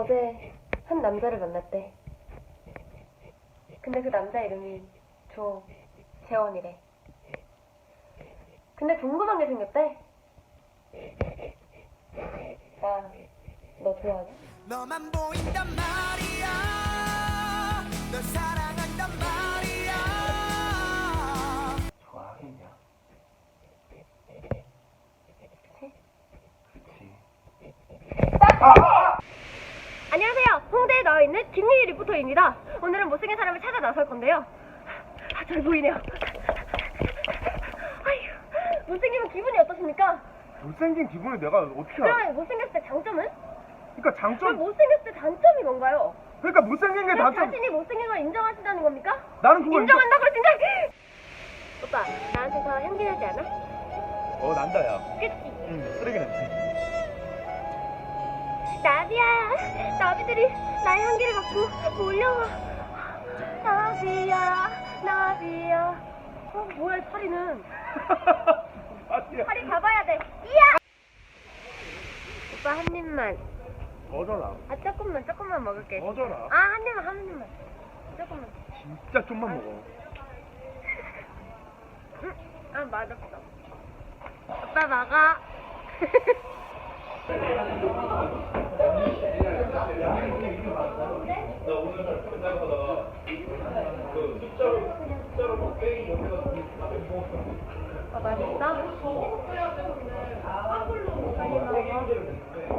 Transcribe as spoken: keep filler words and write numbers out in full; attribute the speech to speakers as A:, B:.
A: 어제 한 남자를 만났대. 근데 그 남자 이름이 조재원이래. 근데 궁금한 게 생겼대. 나 너 좋아하냐?
B: 너만 보인단 말이야. 널 사랑한단 말이야.
C: 좋아하겠냐?
A: 그치?
C: 그치.
A: 안녕하세요. 홍대에 나와 있는 김유희 리포터입니다. 오늘은 못생긴 사람을 찾아 나설 건데요. 아, 잘 보이네요. 아휴, 못생기면 기분이 어떠십니까?
C: 못생긴 기분을 내가 어떻게 알아?
A: 그러면 못생겼을 때 장점은?
C: 그러니까
A: 그럼
C: 장점.
A: 못생겼을 때 단점이 뭔가요?
C: 그러니까 못생긴 게
A: 그럼
C: 단점.
A: 자신이 못생긴 걸 인정하신다는 겁니까?
C: 나는 그걸
A: 인정한다고 진짜. 오빠, 나한테서 향기 나지 않아?
C: 인정- 어 난다 야.
A: 그치?
C: 응 쓰레기 냄새.
A: 나비야, 나비들이 나의 향기를 맡고 몰려와. 나비야, 나비야. 어, 뭐야, 이 파리는.
C: 아니야.
A: 파리 잡아야 돼. 이야! 오빠, 한 입만.
C: 어져라.
A: 아, 조금만, 조금만 먹을게.
C: 어져라.
A: 아, 한 입만, 한 입만. 조금만.
C: 진짜 좀만 먹어.
A: 응? 아, 맛없어. 오빠, 먹어. 아, 맛있어? 많이 먹어.